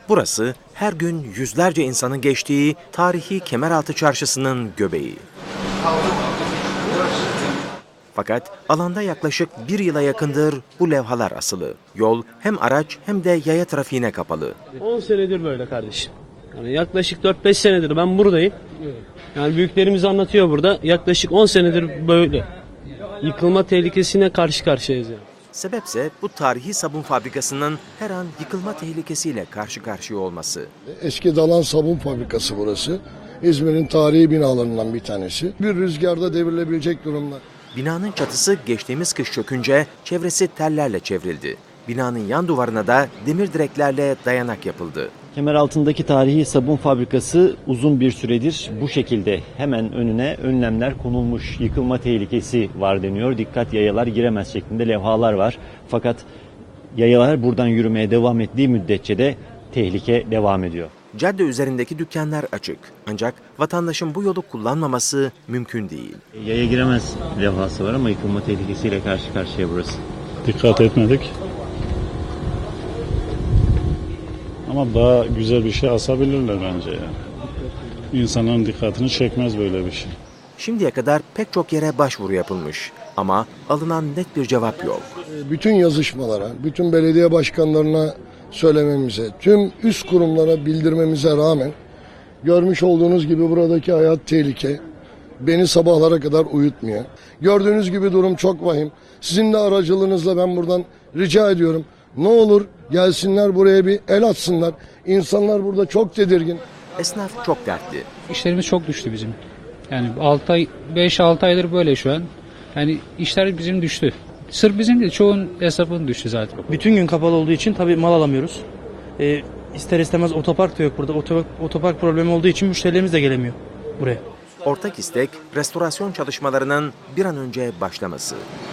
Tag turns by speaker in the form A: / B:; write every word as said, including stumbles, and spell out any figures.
A: Burası her gün yüzlerce insanın geçtiği tarihi Kemeraltı Çarşısı'nın göbeği. Fakat alanda yaklaşık bir yıla yakındır bu levhalar asılı. Yol hem araç hem de yaya trafiğine kapalı.
B: on senedir böyle kardeşim. Yani yaklaşık dört beş senedir ben buradayım. Yani büyüklerimiz anlatıyor burada. Yaklaşık on senedir böyle. Yıkılma tehlikesine karşı karşıyayız yani.
A: Sebepse bu tarihi sabun fabrikasının her an yıkılma tehlikesiyle karşı karşıya olması.
C: Eski Dalan Sabun Fabrikası burası. İzmir'in tarihi binalarından bir tanesi. Bir rüzgarda devrilebilecek durumda.
A: Binanın çatısı geçtiğimiz kış çökünce çevresi tellerle çevrildi. Binanın yan duvarına da demir direklerle dayanak yapıldı.
D: Kemeraltı'ndaki tarihi sabun fabrikası uzun bir süredir bu şekilde hemen önüne önlemler konulmuş. Yıkılma tehlikesi var deniyor. Dikkat, yayalar giremez şeklinde levhalar var. Fakat yayalar buradan yürümeye devam ettiği müddetçe de tehlike devam ediyor.
A: Cadde üzerindeki dükkanlar açık. Ancak vatandaşın bu yolu kullanmaması mümkün değil.
D: Yaya giremez levhası var ama yıkılma tehlikesiyle karşı karşıya burası.
E: Dikkat etmedik. Ama daha güzel bir şey asabilirler bence yani. İnsanların dikkatini çekmez böyle bir şey.
A: Şimdiye kadar pek çok yere başvuru yapılmış ama alınan net bir cevap yok.
C: Bütün yazışmalara, bütün belediye başkanlarına söylememize, tüm üst kurumlara bildirmemize rağmen görmüş olduğunuz gibi buradaki hayat tehlike. Beni sabahlara kadar uyutmuyor. Gördüğünüz gibi durum çok vahim. Sizin de aracılığınızla ben buradan rica ediyorum. Ne olur gelsinler buraya bir el atsınlar. İnsanlar burada çok tedirgin.
A: Esnaf çok dertli.
F: İşlerimiz çok düştü bizim. Yani altı ay, beş altı aydır böyle şu an. Yani işler bizim düştü. Sırf bizim değil, çoğun hesabın düştü zaten.
G: Bütün gün kapalı olduğu için tabii mal alamıyoruz. Ee, ister istemez otopark da yok burada. Otopark, otopark problemi olduğu için müşterilerimiz de gelemiyor buraya.
A: Ortak istek restorasyon çalışmalarının bir an önce başlaması.